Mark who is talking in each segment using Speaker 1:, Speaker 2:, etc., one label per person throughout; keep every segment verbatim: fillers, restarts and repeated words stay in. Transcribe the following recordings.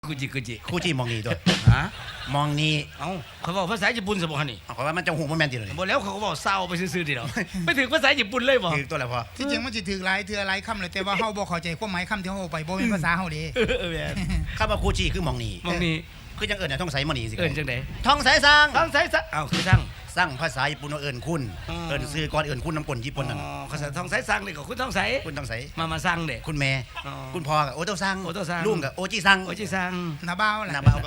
Speaker 1: กูจิกูจิ
Speaker 2: คู่จีมองนี่ตัว
Speaker 1: ฮะ
Speaker 2: มองนี่
Speaker 1: เอ้าเขาบอกภาษาญี่ปุ่นสมบัตินี่
Speaker 2: เอาเขาว่ามันจะหูมันแมนติเลย
Speaker 1: บอกแล้วเขาก็บอกเศร้าไปซื่อๆดิเนาะไม่ถึงภาษาญี่ปุ่นเลยบ่
Speaker 2: คือตัวอะไรพอ
Speaker 3: ที่จริงมันสิถือหลายเทื่อหลายคำเลยแต่ว่าเฮาบ่เข้าใจความหมายคำที่เฮาเอาไปบ่เป็นภาษาเฮาเด้
Speaker 1: เออเออแม่น
Speaker 2: ข้าว่าคู่จีคือมองนี่
Speaker 1: มองนี่
Speaker 2: คือจังเอิญน่ะท่องใสมองนี่สิ
Speaker 1: เอิ้นจังได๋
Speaker 2: ท่องใสสร้าง
Speaker 1: ต้องใช้ซะเอ้าคือสั่ง
Speaker 2: สร้างภาษาญี่ปุ่นว่าเอิญคุณ
Speaker 1: อ๋อ
Speaker 2: เอิญซื้อก่อนเอิญคุณน้ำกลญี่ปุ่นนั่น
Speaker 1: อ๋อภาษาต้องใช้สั่งนี่ก็คุณต้องใช้
Speaker 2: คุณต้องใส
Speaker 1: มามาสั่งเด้
Speaker 2: คุณแม่
Speaker 1: อ๋อ
Speaker 2: คุณพ่อกับโอโตซัง
Speaker 1: โอโต้ซัง
Speaker 2: ลุงกับโอจิซัง
Speaker 1: โอ้จิสั่ง
Speaker 3: หน้าบ้าวล่ะ
Speaker 2: หน้าเบาก็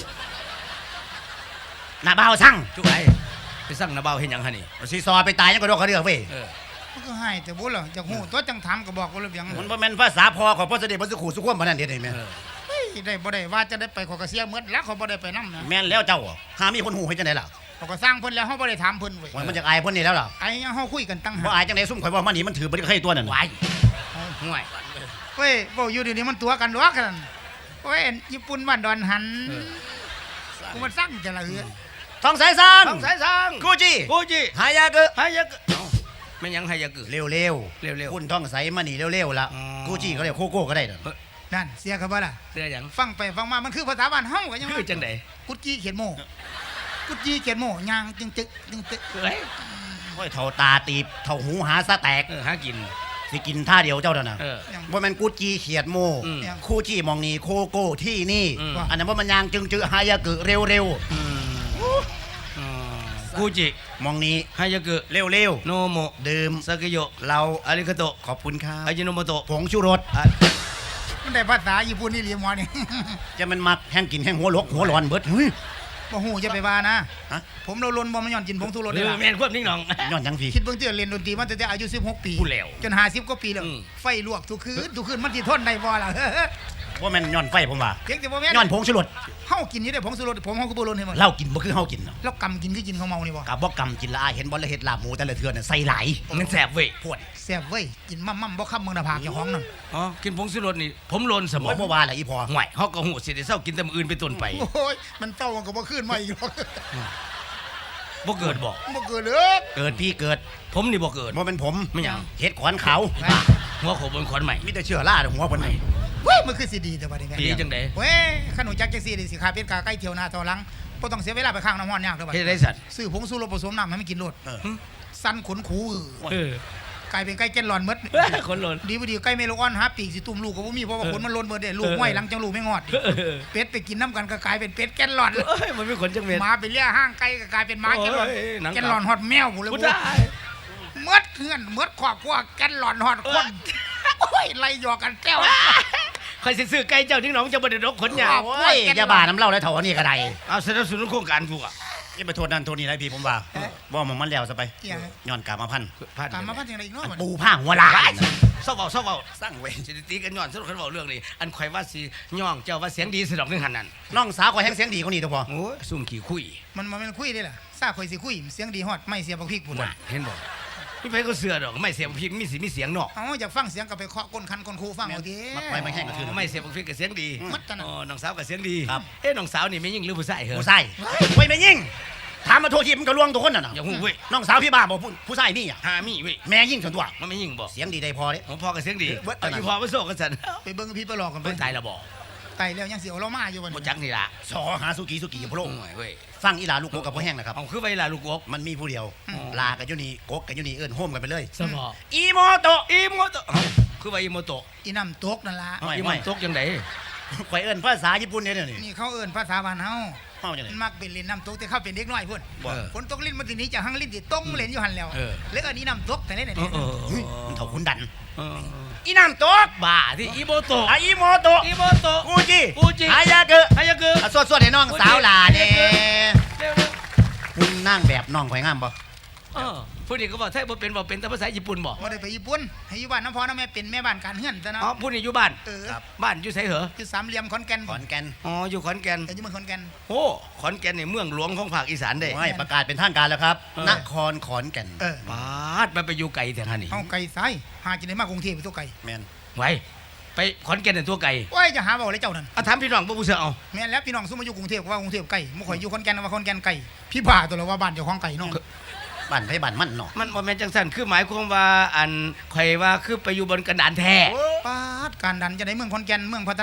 Speaker 2: หน้าเบาซัง
Speaker 1: จุกไอ้ไปสั่งนาเบาเฮ็ดหยังหั่นนี่
Speaker 2: ซีซอไปตายยังก็โดนเขาเรียกเว้ย
Speaker 1: เออ
Speaker 3: มันก็ให้แต่บ่ล่ะจักฮู้ตัวจังถามก็บอกว่าระเบียง
Speaker 2: มันบ่แม่นภาษาพ่อของพ่อเสด็จพระสุขุสุขวมปานนั้นเด็ดเห็นไหม
Speaker 1: เออ
Speaker 3: เฮ้ยได้บ่ได้ว่าจะได้ไปขอยก็เสียหมดแล้วเขาบ่ได้ไปนำนะ
Speaker 2: แม่นแล้วเจ้าหามีคนหูให้จังได๋ล่ะ
Speaker 3: เขาก็สร้างเพิ่นแล้วเฮาบ่ได้ถามเพิ่นเว้ย
Speaker 2: ว่ามันจะอายเพิ่นนี่แล้วล่ะ
Speaker 3: ไอ้ยังเฮาคุยกันตั้ง
Speaker 2: บ่
Speaker 3: หาก
Speaker 2: อายจังได๋ซุ่มข่อยว่ามันนี่มันถือบ่ได้ใครตัวนั่น
Speaker 1: วายห่วย
Speaker 3: เว้ยบ่อยู่เดี๋ยวนี้มันตัวกันดอกกันโอ้ยญี่ปุ่นบ้านดอนหันกูมันสั่งจะละเหือ
Speaker 2: ท่องใสสร้าง
Speaker 1: ต้องใช้สั่ง
Speaker 2: คู่จี
Speaker 1: กูจิ
Speaker 2: หายากะ
Speaker 1: หายะกึเอ้าแม่นหยังหายะกึ
Speaker 2: เร็วๆ
Speaker 1: เร็วๆ
Speaker 2: คุณท่องใสมานี่เร็วๆละ
Speaker 1: อ๋อ
Speaker 2: คู่จีเขาเรียกโคโก้ก็ได้เด้อ
Speaker 3: นั่นเสียเขาบ่ล่ะ
Speaker 1: เสื้อหยัง
Speaker 3: ฟังไปฟังมามันคือภาษาบ้านเฮาก็ยัง
Speaker 1: คือจังได๋
Speaker 3: กุดจี้เขียนโมกุดจี้เขียนโมยางจึงจึกจึงตึก
Speaker 1: เอ้ย
Speaker 2: โอ้ยเท่าตาตีบเท่าหูหาซะแตก
Speaker 1: เออหากิน
Speaker 2: สิกินท่าเดียวเจ้านั่นน่ะ
Speaker 1: เออ
Speaker 2: บ่แม่นกูจีเขียดโม
Speaker 1: อืม
Speaker 2: คู่จีมองนี่โคโก้ที่นี่
Speaker 1: อืม
Speaker 2: อันนั้นว่ามันยางจึงจือหายากะเร็ว
Speaker 1: อืมอ๋อกูจิ
Speaker 2: ๆมองนี้
Speaker 1: ฮายากึ
Speaker 2: เร็ว
Speaker 1: โนโม
Speaker 2: ๆดื่ม
Speaker 1: ซากโย
Speaker 2: เรา
Speaker 1: อาริกาโต
Speaker 2: ขอบคุณครับ
Speaker 1: อาจิโนโมโตะ
Speaker 2: ผงชูรส
Speaker 1: อ่ะ
Speaker 3: มันได้ภาษาญี่ปุ่นนี่เรียนหมอนี่
Speaker 2: จะมันมักแห้งกินแห้งหัวลกหัวร้อนเบิดเฮ้ย
Speaker 3: บ่ฮู้จะไปว่านะ
Speaker 2: ฮะ
Speaker 3: ผมเราลนบ่มันย้อนกินผงชูรส
Speaker 1: เอ
Speaker 3: ได้
Speaker 1: อ
Speaker 3: ล่ะ
Speaker 1: แม่นควบนิ่งหนอง
Speaker 2: ย้อนจังพี่
Speaker 3: คิดเบิ่งที่เรียนดนตรีมาตั้งแต่อายุสิบหกปี
Speaker 1: พูดแล้ว
Speaker 3: จนห้าสิบกว่าปีแล้ว
Speaker 1: อืม
Speaker 3: ไฟลวกทุกคืนทุกคืนมันสิทนได้บ่ล่ะ
Speaker 2: ว่าแม่นย้อนไฟผมว่า
Speaker 3: เพียงแต่บ่แม่น
Speaker 2: ย้อนผงชูรส
Speaker 3: เฮากินอยู่ได้ผงชูรสผมเฮาก็บ่ลนให้มัน
Speaker 2: เหล้ากินบ่คือเฮากินเนาะ
Speaker 3: แล้วกำกินคือกินข้าวเมานี่บ่
Speaker 2: กับบ่กำกินละอายเห็นบ่ละเฮ็ดลาบหมูแต่ละเทื่อน่ะใส่หลาย
Speaker 1: มันแสบเว้ย
Speaker 2: พวด
Speaker 3: แซ่บเว้ยกินมั่มๆบ่ค้ำเมืองหน้าผากเจ้าของนั่น
Speaker 1: อ๋อกินผงชูรสนี่ ผมโลนสมอ
Speaker 2: โอ้
Speaker 1: ง
Speaker 2: ยบ่ว่าละอีพอ
Speaker 1: ห่วยเฮาก็หูสิได้เศร้ากินแต่มื้ออื่นไปต้นไป
Speaker 3: โอ้ยมันเต้ามันก็บ่ขึ้นมาอีกหรอก
Speaker 1: บ่เกิดบ่
Speaker 3: บ่เกิดเลย
Speaker 2: เกิดพี่เกิด
Speaker 1: ผมนี่บ่เกิด
Speaker 2: บ่เป็นผม
Speaker 1: ไม่หยัง
Speaker 2: เฮ็ดขอนขาว
Speaker 1: หัวโขบนขอนใหม่
Speaker 2: มีแต่เชื้อราหัวเพิ่นนี่
Speaker 3: เว้ยมันคือสิดีแต่บัดนี้แม่
Speaker 1: ดีจังได๋
Speaker 3: เว้ยขนมจักจังซี่ดิสิขาเป็ดกาไก่เที่ยวหน้าต่อหลังบ่ต้องเสียเวลาไปข้างน้ำร้อนยากเด้อบัด
Speaker 1: เฮ็ด
Speaker 3: นี้
Speaker 1: ได้สัตว์
Speaker 3: ซื้อผงชูรสผสมน้ำให้มันกินโลด
Speaker 2: เออ
Speaker 3: สั้นขนคูอื้อ
Speaker 1: เออก
Speaker 3: ลายเป็นไก่แก่นหลอนหมด
Speaker 1: คนโลน
Speaker 3: ดีบ่ดีไก่เมโลออนหาปีกสิตุ่มลูกก็บ่มีเพราะว่าขนมันหล่นเบิดเด้ลูก
Speaker 1: เออ
Speaker 3: ห้อยหลังจังลูกไม่งอด
Speaker 1: เออ
Speaker 3: เป็ดไปกินน้ำกันก็กลายเป็นเป็ดแก่นหลอน
Speaker 1: เอ้ยมันมีขนจังเม็ด
Speaker 3: หมาไปเลี้ยห้างไก่ก็กลายเป็นหมาแก่นหลอน
Speaker 1: โอ้ยหนังกลับ
Speaker 3: แก่นหลอนฮอดแมวหมดเลย
Speaker 1: กู
Speaker 3: บ่
Speaker 1: ได้
Speaker 3: เมดเฮือนเมดครอบครัวแก่นหลอนฮอดคนโอ้ยไล่หยอกกันแก้ว
Speaker 1: ใครสิซื้อไก่เจ้านิ่งหนองจะบ่ได้ดอกขนยาว
Speaker 2: โอ้ยอย่าบ้าน้ำเหล้าแล้วเท่าอันนี้ก็ได้
Speaker 1: เอาสนับสนุนโครงการกูอ่ะ
Speaker 2: อย่าไปโทษนั่นโทษนี่นะพี่ผมว่าว่ามันมันแล้วซะไป
Speaker 3: เอี่ยง
Speaker 2: ย้อนกามาพันธุ์
Speaker 1: ผ่าน
Speaker 3: ตามมาพันจังไดอีกเนาะบัด
Speaker 2: ปู
Speaker 3: นี้
Speaker 2: ผ้าหัวลาย
Speaker 1: เศร้าเบาเศร้าเบา
Speaker 2: สร้างเวร
Speaker 1: สิตีกันย้อนสนุกกันเบาเรื่องนี้อันข่อยว่าสิย่องเจ้าว่าเสียงดีสะดอกนึงหันนั่น
Speaker 2: น้องสาวก็แห้งเสียงดีกว่านี้ตัวพอ
Speaker 1: โอ้ยซุ่มขี้คุย
Speaker 3: มันบ่แม่นคุยเด้ล่ะซาข่อยสิคุยเสียงดีฮอดไม่เสียบักพริกพุ่น
Speaker 1: น่ะเห็นบ่มีไผก็เสือดอกไม่เสียบพริกมีสิมีเสียงเนาะ
Speaker 3: เอาอยากฟังเสียงก็ไปเคาะก้นคันก้นคูฟังเอาติ
Speaker 2: มักไปไม่แห้งก็คือ
Speaker 1: ไม่เสียบพริกก็เสียงดี
Speaker 3: มัดกันน่ะ
Speaker 1: อ๋อน้องสาวก็เสียงดี
Speaker 2: ครับ
Speaker 1: เอ๊ะน้องสาวนี่ไม่ยิ่งหรือผู้ชายเหรอ
Speaker 2: ผู้ชายไว้ไม่ยิ่งถามมาโทษทีมันก็ลวงตัวคนน่ะนะ
Speaker 1: อย่าหู้เว้ย
Speaker 2: น้องสาวพี่บ้าบอกผู้ผู้ชายนี่อ่ะ
Speaker 1: หามีเว้ย
Speaker 2: แม่ยิ่งส่วนตัว
Speaker 1: มันไม่ยิ่งบ่
Speaker 2: เสียงดีได้พอเด้
Speaker 1: ของพ่อก็เสียงดี
Speaker 2: เบิด
Speaker 1: เอาอีพ่อมาโซ่กันสัน
Speaker 3: ไปเบิ่งพี่ไปหลอกกันไป
Speaker 1: เพิ่นตายแล้วบ่
Speaker 3: ตายแล้วยังสิเอาเรามาอยู่บัด
Speaker 1: บ่
Speaker 3: นี้
Speaker 1: จักนี่ล่ะ
Speaker 2: สอหาสุกี้สุกี้พะโล้
Speaker 1: โอ้ยเว้ย
Speaker 2: ฟังอีหลาลูกโกกับพ่อแห้งนะครับ
Speaker 1: เอาคือไว้ล่ะลูกกบ
Speaker 2: มันมีผู้เดียว
Speaker 1: อืม
Speaker 2: ลากับยุนี่โกกกับยุนี่เอิ้นโฮมกันไปเลย
Speaker 1: สมอ
Speaker 2: อีโมโตะ
Speaker 1: อีโมโตะเอ้าคือว่าอีโมโตะ
Speaker 3: อีน้ำตกนั่นล่ะ
Speaker 2: ไม่
Speaker 1: อี
Speaker 2: ไม่
Speaker 1: โมโตะจังได๋
Speaker 2: ข่อยเอิ้นภาษาญี่ปุ่นเนี่ยเดี๋ยวนี่
Speaker 3: นี่เขาเอิ้นภาษาบ้านเฮา
Speaker 2: เฮาจังได๋
Speaker 3: มันมักเป็นเล่นน้ำตกแต่เขาเป็นเด็กน้อยพุ่น
Speaker 1: บ่เออ
Speaker 3: ฝนตกลิ้นมันสิหนี้จากหังลิ้นสิต้งเล่นอยู่หั่นแล้ว
Speaker 1: เออ
Speaker 3: แล้วอันนี้น้ำตกแต่เล่นไหน
Speaker 1: เอ
Speaker 3: เนี่ย
Speaker 1: อเออ
Speaker 2: เฮ้ยมันเท่าคุณดัน
Speaker 1: เออ
Speaker 2: อีน้ำตก
Speaker 1: บ้าที่อีโมโตะ
Speaker 2: อ่ะอีโมโตะ
Speaker 1: อีโมโตะ
Speaker 2: กูจิ
Speaker 1: กูจิ
Speaker 2: ฮายาเกะ
Speaker 1: ฮายาเกะ
Speaker 2: อ่ะสวดๆให้น้องสาวหลาเด้
Speaker 1: เร็ว
Speaker 2: คุณนั่งแบบน้องข่อยงามบ่
Speaker 1: ๆเออผู้นี้ก็บอกไทยบ่เป็นบ่เป็นแต่ภาษาญี่ปุ่นบ่
Speaker 3: บ่ได้ไปญี่ปุ่นให้อยู่บ้านน้ำพ่อน้ำแม่เป็นแม่บ้านการเฮือนซะเนาะ
Speaker 1: อ๋อผู้นี้อยู่บ้าน
Speaker 3: เออ
Speaker 1: บ้านอยู่ไสเหรอ
Speaker 3: อยู่สามเหลี่ยมขอนแก่น
Speaker 2: ขอนแก่น
Speaker 1: อ๋ออยู่ขอนแก่น
Speaker 3: แต่อยู่เมืองขอนแก่น
Speaker 1: โอ้ขอนแก่นนี่เมืองหลวงของภาคอีสานเด้
Speaker 2: โอ้ยประกาศเป็นทางการแล้วครับ
Speaker 1: เออ
Speaker 2: นครขอนแก่น
Speaker 3: เออ
Speaker 1: ปาดมันไปอยู่ไกลแต่ท่านนี่
Speaker 3: เฮาไก่ซ้ายหากินได้มากกรุงเทพไปตัวไก่
Speaker 2: แม่น
Speaker 1: ไว้ไปขอนแก่นนั่นตัวไกล
Speaker 3: โอ้ยจะหาบ่เลยเจ้านั่น
Speaker 1: เอาถามพี่น้องบ่ผู้เสือเอา
Speaker 3: แม่นแล้วพี่น้องซุมาอยู่กรุงเทพก็ว่ากรุงเทพไก่บ่ข่อยอยู่ขอนแก่นว่าขอนแก่นไก่พี่บ้าตัวละว่าบ้านเจ้าของไก่เนาะ
Speaker 2: บ้านไผบ้านมันเนาะ
Speaker 1: มันบ่แม่นจังซั่นคือหมายความว่าอันข่อยว่าคือไปอยู่บนกระดานแท้
Speaker 3: ปาดการดันจะได้เมืองขอนแก่นเมืองพัฒนา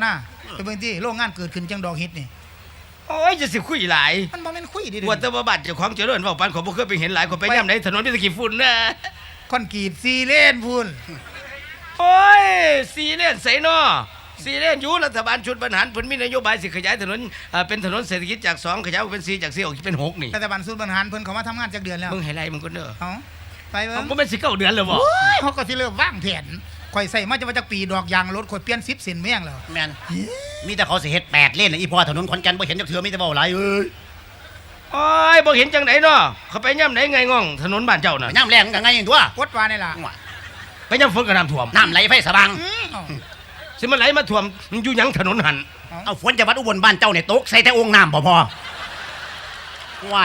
Speaker 3: ไปเบิ่งที่โรงงานเกิดขึ้นจังดอกเฮ็ดนี่
Speaker 1: โอ้ยจะสิคุยหลาย
Speaker 3: มันบ่แม่นคุยดิ
Speaker 1: ว่าแต่ว่าบ้านเจ้าของเจริญเว้าปานขอยบ่เคยไปเห็นหลายคนไปย่ํไหนถนนมีแตะกี้ฝุ่นนะ
Speaker 3: คอนกรีตซีเลนพุ่น
Speaker 1: โอ้ยสีเลนไสน้อสีเลนอยู่รัฐบาลชุดบรรหารเพิ่นมีนโยบายสิขยายถนนเอ่อเป็นถนนเศรษฐกิจจากสองขยายเป็นสี่จากสี่ออกเป็นหกนี่
Speaker 3: รัฐบาลศูนย์บริหารเพิ่นเขามาทำงานจักเดือนแล้ว
Speaker 1: มึงให้ไล่มึงก็เด้อ
Speaker 3: เอ้าไปเบิ่
Speaker 1: เอา
Speaker 3: ง
Speaker 1: บ่แม่นสิเก้าเดือนแล้วบ่
Speaker 3: โอ้ยเขาก็สิเริ่มวางแผนข่อยใส่มาจะว่าจักปีดอกยางรถข่อยเปลี่ยนสิบเส้นแม่งแล้ว
Speaker 2: แม่นมีแต่เขาสิเฮ็ดแปดเลนน่ะอีพ่อถนนขอนแก่นบ่เห็นจักเทื่อมีแต่เว้าหลายเอ้ย
Speaker 1: โอ้ยบ่เห็นจังไดเนาะเขาไปย่ำไหนไงง่องถนนบ้านเจ้าน่ะ
Speaker 2: น้ำแรงกันไงตัว
Speaker 3: กดว่านี่ล่ะ
Speaker 1: ไปย่ำฝนก็น้ำท่วม
Speaker 2: น้ำไหลไฟสว่าง
Speaker 3: อืมเอ้า
Speaker 1: สิมันไหลมาท่วมมันอยู่หยังถนนหัน
Speaker 2: เอาฝนจากวัดอุบลบ้านเจ้าเนี่ยตกใส่แต่องค์น้ำบ่พอว้าย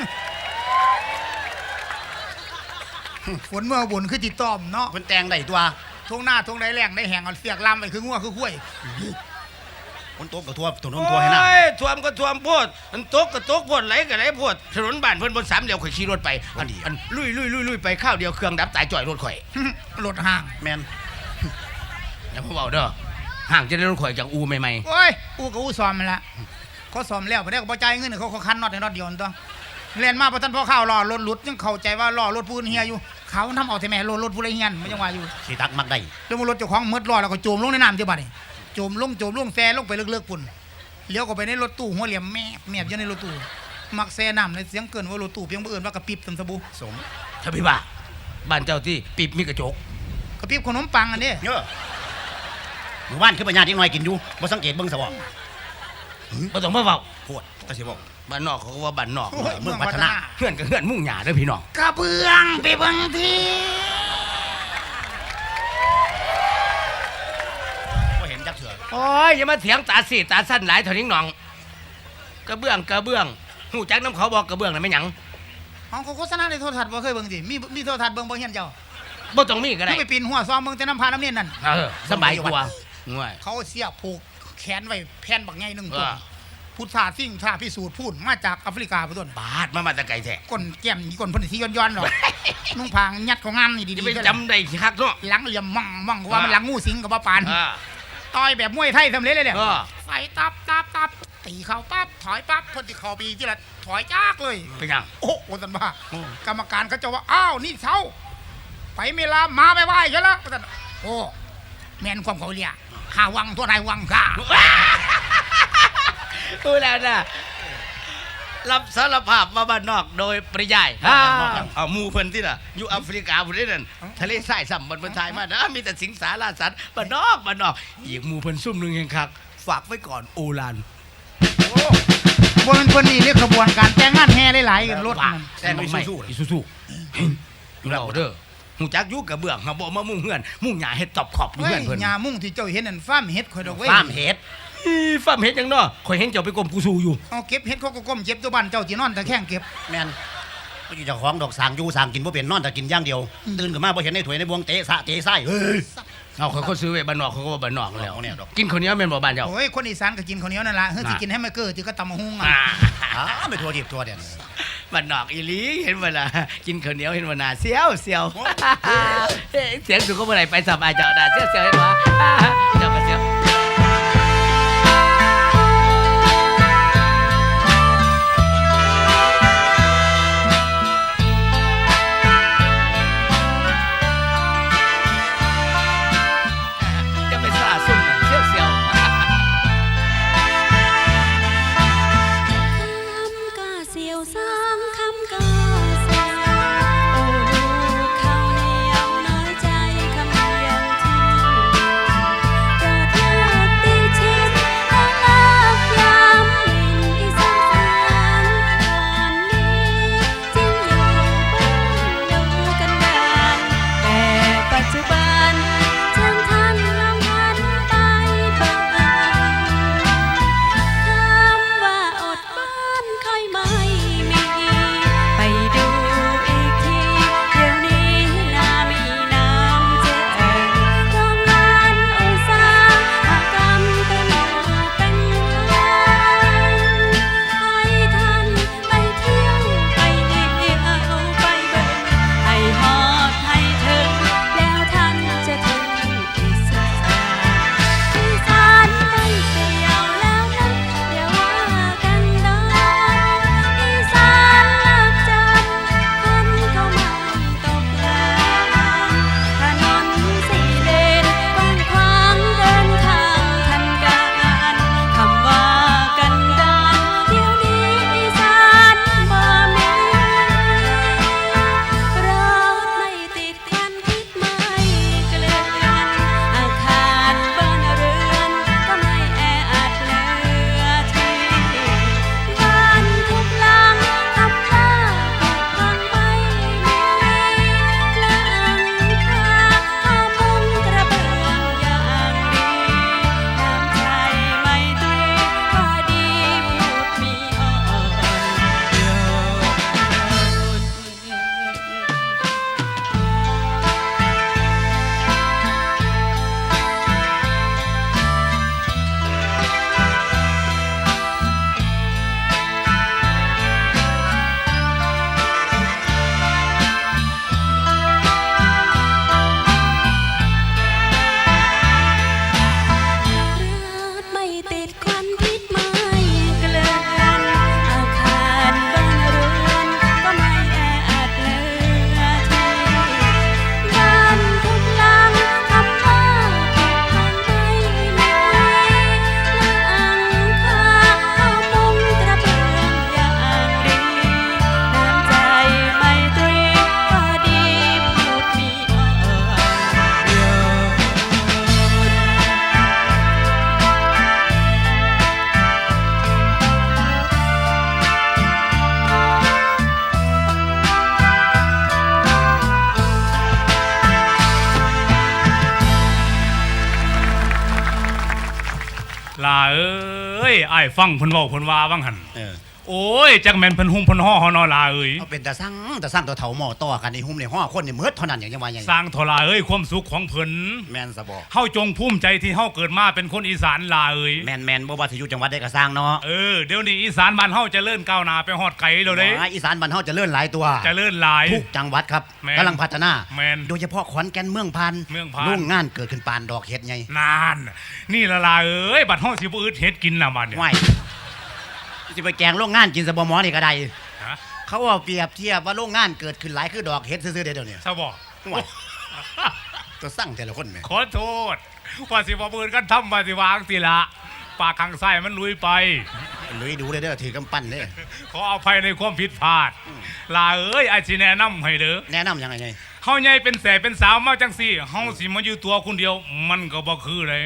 Speaker 3: ฝนเมื่อบุญคือติต้อมเนาะ
Speaker 2: เพิ่นแต่งได้ตัว
Speaker 3: ทงหน้าทงใดแรงได้แหงเอาเสียกลำไปคืองัวคือข้วย
Speaker 2: ฝนตกก็ทั่วถนนทั่วให้น้
Speaker 1: โอ้ยท่วมก็ท่วมโพดมันตกก็ตกโพดไหลก็ไหลโพดถนนบ้านเพิ่นบนสามเหลี่ยมข่อยขี่รถไปอันอันลุยลุยลุยลุยไปข้าวเดียวเครื่องดับตายจ่อยรถข่อย
Speaker 3: รถห่าง
Speaker 2: ำแม่น
Speaker 1: อย่ามาเว้าเด้อห่างจะได้รถข่อยจากอูใหม่
Speaker 3: โอ้ยอูกับอูซ้อมมันละเขาซ้อมแล้วบ่ได้ก็บ่จ่ายเงินเขาเขาคันน็อตในน็อตเดียวนั่นตัวเรียนมาบ่ทันพอข้าวรอรถหลุดยังเข้าใจว่ารอรถผู้อื่นเฮียอยู่เขาทำเอาแต่แม่รถรถผู้ใดเฮียนมันยังว่าอยู่
Speaker 2: สิตักมักได้
Speaker 3: แล้วมันรถเจ้าของมืดรอแล้วก็โจมลงในน้ำเจ้าบัดนี่โจมลงโจมลงแซ่ลงไปเลิกๆปุ่นเลี้ยวก็ไปในรถตู้หัวเหลี่ยมแม่แม่อยู่ในรถตู้มักแซ่น้ำในเสียงเกินว่ารถตู้เพียงบ่เอิ้นว่ากระปิบตำสบู่
Speaker 2: สม
Speaker 1: ๆถ้าพี่ว่าบ้านเจ้าที่ปิบมีกระจก
Speaker 3: กระปิบขนมปังอันนี้
Speaker 2: เยอะหมู่บ้านคือปัญญาที่น้อยกินอยู่บ่สังเกตเบิ่งซะบ่
Speaker 1: บ่ต้องมาเว้า
Speaker 2: โพดก็สิบอก
Speaker 1: บ้านนอกเขาก็ว่าบ้านนอก
Speaker 3: โอ้ย
Speaker 2: เมืองพัฒนา
Speaker 1: เพื่อนก็เพื่อนมุ่งหญ้าเด้อพี่น้อง
Speaker 3: กระเบื้องไปเบิ่งที
Speaker 2: บ่เห็นจักเทื่อ
Speaker 1: โอ้ยอย่ามาเถียงตาสีตาสั้นหลายเท่านี้น้องกระเบื้องกระเบื้องหูจักน้ำเขาบอกกระเบื้องน่ะไม่หยัง
Speaker 3: ของเขาโฆษณาในโทรทัศน์บ่เคยเบิ่งสิมีมีโทรทัศน์เบิ่งบ่เฮียนเจ้า
Speaker 1: บ่ต้องมีก็
Speaker 3: คื
Speaker 1: ได้
Speaker 3: อไปปีนหัวซ้อมเบิ่งแต่น้ำพาน้ำเนียนนั่น
Speaker 1: เออสบายกว่าง่วย
Speaker 3: เขาเสียบผูกแขนไว้แผ่นบักใหญ่หนึง
Speaker 1: เอ
Speaker 3: ต้น
Speaker 1: อ
Speaker 3: พุทธาสิ่งชาพิสูจน์พูดมาจากแอฟริกาพุ่นต้น
Speaker 1: บาดมามาแตะไกลแท้
Speaker 3: ก้นแก้มนี่ก้นเพิ่นสิย้อนๆหรอกนุ่งผางยัดของงามนี่
Speaker 1: จะ
Speaker 3: ดี
Speaker 1: ไป
Speaker 3: ๆ
Speaker 1: จำได้คักเนาะ
Speaker 3: หลังเหลี่ยมมั่งมั่งว่ามัน
Speaker 1: อ่า
Speaker 3: หลังงูสิงกับบ่ปาน
Speaker 1: อ่า
Speaker 3: ต่อยแบบมวยไทยสำเร็จเลยเนี่ย
Speaker 1: เออ
Speaker 3: ไฟตับตับตับตีเข้าปั๊บถอยปั๊บเพิ่นสิเข้าปีที่ละถอยจากเลย
Speaker 1: เป็นหยัง
Speaker 3: โอ้โหสันบ้า
Speaker 1: โอ้
Speaker 3: กรรมการเขาจะว่าอ้าวนี่เช้าไปเมลามาไปไหว้กันแล้วสันโอ้แม่นความเขาเรียกข้าวังตัวนายวังข้า
Speaker 1: ดูแล้วนะรับสารภาพมาบ้านนอกโดยปริยายเอาหมูเพิ่นที่น่ะอยู่แอฟริกาพุ่นนี่นั่นทะเลทรายซ้ำบนบนทายมานะมีแต่สิงสาราสัตว์บ้านนอกบ้านนอกอีกหมูเพิ่นซุ่มหนึงเองครับฝากไว้ก่อนโอลาน
Speaker 3: บนคนนี้เรียกขบวนการแต่งงานแห่หลายๆกันรถ
Speaker 1: ว่า
Speaker 3: มัน
Speaker 2: แต่งไม่สู้
Speaker 1: อีซูซูอยู่แล้วเด้อหูจักอยู่กับเบื้องหาบ่มามุ่งเฮือนมุ่งหญ้าเฮ็ดตอบขอบอยู่
Speaker 3: เฮ้
Speaker 1: เฮื
Speaker 3: ย
Speaker 1: อนเพิ่น
Speaker 3: ยามุ่งที่เจ้าเห็นนั่นฟาร์มเฮ็ดข่อยดอกเว้ย
Speaker 2: ฟาร์มเฮ็ด
Speaker 1: อีฟ้ามเฮ็ดหยังเนาะข่อยเห็นเจ้าไปกรมกูซูอยู่
Speaker 3: เอาเก็บเฮ็ดเขาก็ก้มเจ็บตัวบ้านเจ้าที่นอนตะแคงเก็บ
Speaker 2: แม่นบ่อยู่เจ้าของดอกสางอยู่สางกินบ่เป็นนอนแต่กินอย่างเดียวตื่นขึ้นมาบ่เห็นในถ้วยในบวงเตะสะเตะไส้เฮ้ย
Speaker 1: เอาเขาก็ซื้อไว้บ้านนอกเขาก็ว่าบ้านนอกแล้ว
Speaker 2: เอาเนี่ยดอก
Speaker 1: กินข้าวเหนียวแม่นบ่บ้านเจ้า
Speaker 3: โอ้ยคนอีสานก็กินข้าวเหนียวนั่นล่ะเฮ้ยสิกินให้มันเกิดที่ก็ตำมะฮุ่ง
Speaker 1: อ่า
Speaker 3: อ่ะ
Speaker 2: อ้าไปทัวร์ดิบทัวร์เด่น
Speaker 1: บ้านนอกอีหลีเห็นบ่ล่ะกินข้าวเหนียวเห็นบ่น่าเสียวเสียวเอ๊ะเสียงสุขก็บ่ได้ไปสบายเจ้าน่าเสียวเสียวเห็นบ่เจ้าก็เสียวจะไปซ่าซุ่มน่ะเสียวเสียว
Speaker 4: คำกาเสียวสามคำกาเสียวโอ้ลูกเขาเหนียวน้อยใจคำเดียวที่เกิดใ
Speaker 5: อ้ายฟังเพิ่นเว้าเพิ่นว่าว่างหั่น
Speaker 2: เออ
Speaker 5: โอ้ยจักแม่นเพิ่นหุ่มเพิ่นห่อเฮานอลาเอ้ย
Speaker 2: เอาเป็นตาสั่งตาสั่งตัวเฒ่าหม้อต่อกันในหุ้มในห้อคนนี่เมิดเท่านั้นอย่างจังว่าหยัง
Speaker 5: สร้างทลาเอ้ยความสุขของเพิ่น
Speaker 2: แม่นซะบ่
Speaker 5: เฮาจงภูมิใจที่เฮาเกิดมาเป็นคนอีสานลาเอ้ย
Speaker 2: แม่นแม่นบ่ว่าสิอยู่จังหวัดใดก็สร้างเนาะ
Speaker 5: เออเดี๋ยวนี้อีสานบ้านเฮาเจริญก้าวหน้าไปฮอดไกลแล้วเด้
Speaker 2: ว่าอีสานบ้านเฮาเจะเลื่อนหลายตัว
Speaker 5: เจริญหลาย
Speaker 2: ทุกจังหวัดครับ
Speaker 5: แม่น
Speaker 2: กำลังพัฒนา
Speaker 5: แม่น
Speaker 2: โดยเฉพาะขอนแก่นเมืองพัน
Speaker 5: เมืองพาน
Speaker 2: โรงงานเกิดขึ้นปานดอกเห็ดไง
Speaker 5: นานนี่ละลาเอ้ยบัดเฮาสิบ่อึดเฮ็ดกินน่ะบัดเนี่ย
Speaker 2: ว้ายสิไปแกงโรงงานกินสะบหมอนี่ก็ได้
Speaker 5: ฮะ
Speaker 2: เขาเอาเปรียบเทียบว่าโรงงานเกิดขึ้นหลายคือดอกเห็ดซื่อๆเดี๋ยวนี้
Speaker 5: ซะบ่
Speaker 2: ว้ายตัวสั่งแต่ละคนแหม
Speaker 5: ขอโทษว่าสิบ่เบิ่นกันทำว่าสิวางสิละปากข้างซ้ายมันลุยไป
Speaker 2: ลุยดูเลยเด้อถือกำปั้นเด้อ
Speaker 5: ขออภัยในความผิดพลาดลาเอ้ยอาสิแนะนำให้เด้อ
Speaker 2: แนะนำยังไงไง
Speaker 5: เฮาใหญ่เป็นแสเป็นสาวมาจังซี่เฮาสิมาอยู่ตัวคนเดียว มันก็บ่คือเลย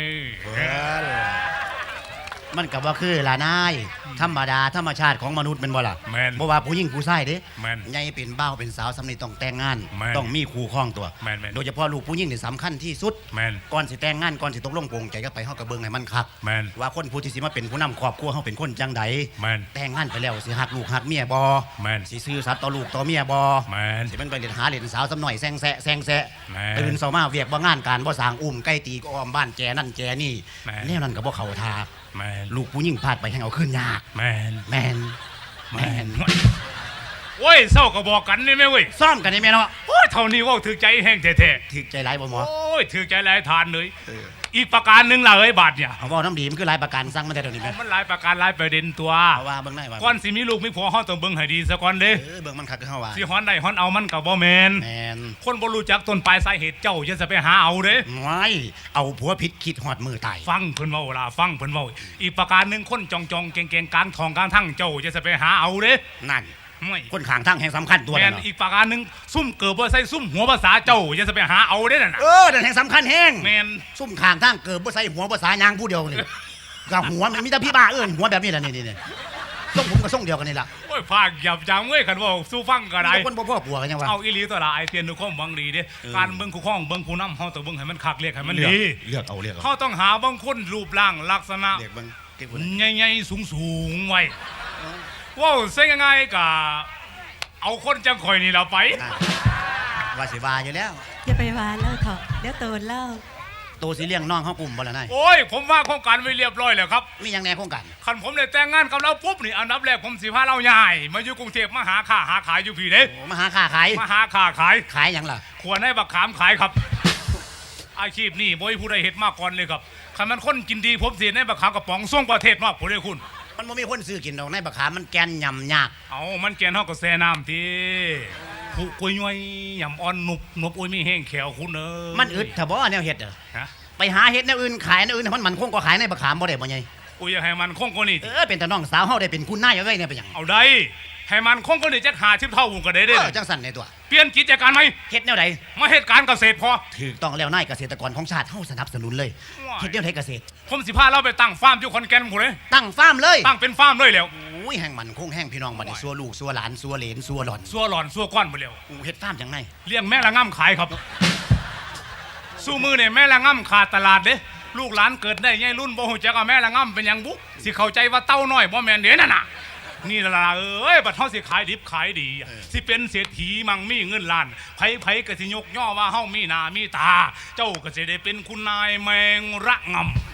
Speaker 2: มันกับว่าคือล่ะนายธรรมดาธรรมชาติของมนุษย์เป็นบ่ล่ะ
Speaker 5: แม่น
Speaker 2: บ่ว่าผู้หญิงผู้ชายเด้
Speaker 5: แม่น
Speaker 2: ใหญ่เป็นบ่าวเป็นสาวสำนีต้องแต่งงาน
Speaker 5: แม่น
Speaker 2: ต้องมีคู่ครองตัว
Speaker 5: แม่นแม่น
Speaker 2: โดยเฉพาะลูกผู้หญิงนี่สำคัญที่สุด
Speaker 5: แม่น
Speaker 2: ก่อนสิแต่งงานก่อนสิตกลงปลงใจก็ไปเฮากับเบิ่งให้มันคัก
Speaker 5: แม่น
Speaker 2: ว่าคนผู้ที่สิมาเป็นผู้นำครอบครัวเฮาเป็นคนจังใด
Speaker 5: แม่น
Speaker 2: แต่งงานไปแล้วสิฮักลูกฮักเมียบ่
Speaker 5: แม่น
Speaker 2: สิซื่อสัตย์ต่อลูกต่อเมียบ่
Speaker 5: แม่น
Speaker 2: สิมันไปเล่นหาเล่นสาวสำหน่อยแซงแซะแซงแซะ
Speaker 5: แม่น
Speaker 2: ตื่นเช้ามาเวียกบ่งานการบ่สร้างอุ้มไก่ตีก็อ้อมบ้านแจนั่นแจนี่
Speaker 5: แม่น
Speaker 2: แนวนั้นก็บ่เข้าทา
Speaker 5: แม่น
Speaker 2: ลูกผู้หญิงพลาดไปแห่งเอาขึ้นยาก
Speaker 5: แม่น
Speaker 2: แมนแม
Speaker 5: แม่
Speaker 2: น
Speaker 5: นโอ้ยเศร้าก็บอกกันนี่แม่เว้ย
Speaker 2: ซ่อมกันได้ไหมเนาะ
Speaker 5: โอ้ยเท่านี้เว่าถือใจแห้งแท้
Speaker 2: ถึกใจร้ายบ่หม
Speaker 5: ๆ
Speaker 2: อ
Speaker 5: โอ้ยถือใจหลายทานเลย อีกประการหนึ่งล่ะเอ้ยบาทเนี่ย
Speaker 2: เอาเว่าน้ำดีมันคือหลายประกันสั่งมาแต่เดี๋ยวนี้ไหม
Speaker 5: มันหลายประการหลายประเด็นตัว
Speaker 2: เอาว่าเบิ่งได้ว่า
Speaker 5: ก่อนสิมีลูกมีผัวเฮาต้องเบิ่งให้ดีซะก่อนเด้
Speaker 2: เออเบิ่งมันคักคือเฮาว่า
Speaker 5: สิฮ้อนได้ฮ้อนเอามันก็บ่แม่น
Speaker 2: แมน
Speaker 5: คนบ่รู้จักต้นปลายสาเหตุเจ้าอย่าจะไปหาเอาเด้
Speaker 2: ไว้เอาผัวผิดคิดหอดมือตาย
Speaker 5: ฟังเพิ่นเว้าล่ะฟังเพิ่นเว้าอีกประการหนึ่งคนจองจองๆเก่งๆกลางทองกลางทั้งเจ้าอย่าจะไปหาเอาเด้
Speaker 2: นั่น
Speaker 5: ไม่
Speaker 2: คนข้างทางแห่งสำคัญตัว
Speaker 5: แม่
Speaker 2: นั่
Speaker 5: น
Speaker 2: นเนาะ
Speaker 5: อีกประการหนึ่งซุ่มเกิดบ่ใส่ซุ่มหัวภาษาเจ้าอย่าจะไปหาเอาเด้นั่นน่ะ
Speaker 2: เออนั่นแห่งสำคัญแห้ง
Speaker 5: แม่น
Speaker 2: ซุ่มข้างทางเกิดบ่ใส่หัวบ่สายยางผู้เดียวนี่กับหัวมันมีแต่พี่บ้าเอิ้นหัวแบบนี้แหละนี่นี่ๆส่งผมกับส่งเดียวกันนี่ล่ะ
Speaker 5: โอ้ยภาคหยับจังเว้ยคันเว่าสู้ฟังก็ได้
Speaker 2: มีแต่คนบ่พ่อปัวกันยังวะ
Speaker 5: เอาอีหลีตัวละไอเตียนดูความหวังดีเด้
Speaker 2: เออ
Speaker 5: การเบิ่งคู่ข้องเบิ่งผู้นำเฮาต้องเบิ่งให้มันคักเรียกให้มัน
Speaker 2: เลือก
Speaker 5: ดี
Speaker 2: เลือกเอาเลือกเอา
Speaker 5: เฮาต้องหาบางคนรูปร่างลักษณะ
Speaker 2: เลือกเบิ่งเก็บไว้
Speaker 5: ใหญ่ๆสูงๆไว้ว้าวเส้นยังไงกะเอาคนจังข่อยนี่เราไป
Speaker 2: อ่ะว่าสิว่าอยู่แล้ว
Speaker 4: อย่าไปวานเล่าเถอะเดี๋ยวโตนเล่า
Speaker 2: ตัวสิเลี้ยงน้องเฮากลุ่มบ่ล่ะนาย
Speaker 5: โอ้ยผมว่าโครงการไว้เรียบร้อยแล้วครับ
Speaker 2: มีหยังแหน่โครงการ
Speaker 5: คันผมได้แต่งงานกับเราปุ๊บนี่อันดับแรกผมสิพาเราใหญ่มาอยู่กรุงเทพมาหาค้าหาขายอยู่พี่เด้
Speaker 2: โอ้มาหาค้าขาย
Speaker 5: มาหาค้าขาย
Speaker 2: ขายหยังล่ะ
Speaker 5: ควรให้บักขามขายครับ อาชีพนี่บ่มีผู้ใดเฮ็ดมาก่อนเลยครับคันมันคนกินดีผมสิให้บักขามกระป๋องส่งประเทศนอกผู้ใดคุณ
Speaker 2: มันบ่มีคนซื้อกินดอกในบักขามมันแกนยำยาก
Speaker 5: เอามันแกนเฮาก็แซ่น้ำทีผู้กุยย้อยยำอ่อนหนุบหนุบอุ้ยมีแห้งแขวคุณเอ้ย
Speaker 2: มันอึดถ้าบ่แนวเฮ็ดเด้อ
Speaker 5: ฮะ
Speaker 2: ไปหาเฮ็ดแนวอื่นขายแนวอื่นให้มันมันคงก็ขายในบักขามบ่ได้บ่ไง
Speaker 5: อุ้ยอยากให้มันคงกว่านี้
Speaker 2: เออเป็นแต่น้องสาวเฮาได้เป็นคุณนายเอาไว้เนี่ยเป็นหยัง
Speaker 5: เอาได้ให้มันคงกว่านี้จักหาชิบเท่าก็ได้
Speaker 2: เอ
Speaker 5: เด้
Speaker 2: อจังสั่นในตัว
Speaker 5: เปลี่ยนกิจการไหม
Speaker 2: เฮ็ดแนวใด
Speaker 5: มาเฮ็ดการเกษตรพอ
Speaker 2: ถูกต้องแล้วนายเกษตรกรของชาติเฮาสนับสนุนเลย
Speaker 5: ว้าย
Speaker 2: เฮ็ดแนวใดเกษตร
Speaker 5: ผมสิพาเราไปตั้งฟาร์มอยู่ขอนแก่นพุ่นเด้
Speaker 2: ตั้งฟาร์มเลย
Speaker 5: ตั้งเป็นฟาร์มเลยแล้ว
Speaker 2: โอ้ยแห่งมันคงแห่งพี่น้องบัดนี้ซัวลูกซัวหลานซัวเหลนซัวหล่อน
Speaker 5: ซัวหลอนซัวก้อนไปแล้ว
Speaker 2: กูเฮ็ดฟาร์มจังไง
Speaker 5: เลี้ยงแม่ละง่ำขายครับ สู้มือเนี่ยแม่ละง่ำขาดตลาดเด้ลูกหลานเกิดได้ไงรุ่นบ่ฮู้จักว่าแม่ละง่ำเป็นหยังบุสิเข้าใจว่าเต้าน้อยบ่แม่นเด้นั่นน่ะนี่ล่ะเอ้ยบัดเฮาสิขายดิบขายดีสิเป็นเศรษฐีมั่งมีเงินล้านไผๆก็สิยกย่อว่าเฮามีหน้ามีตา เจ้าก็สิได้เป็นคุณนายแมงระง่ำ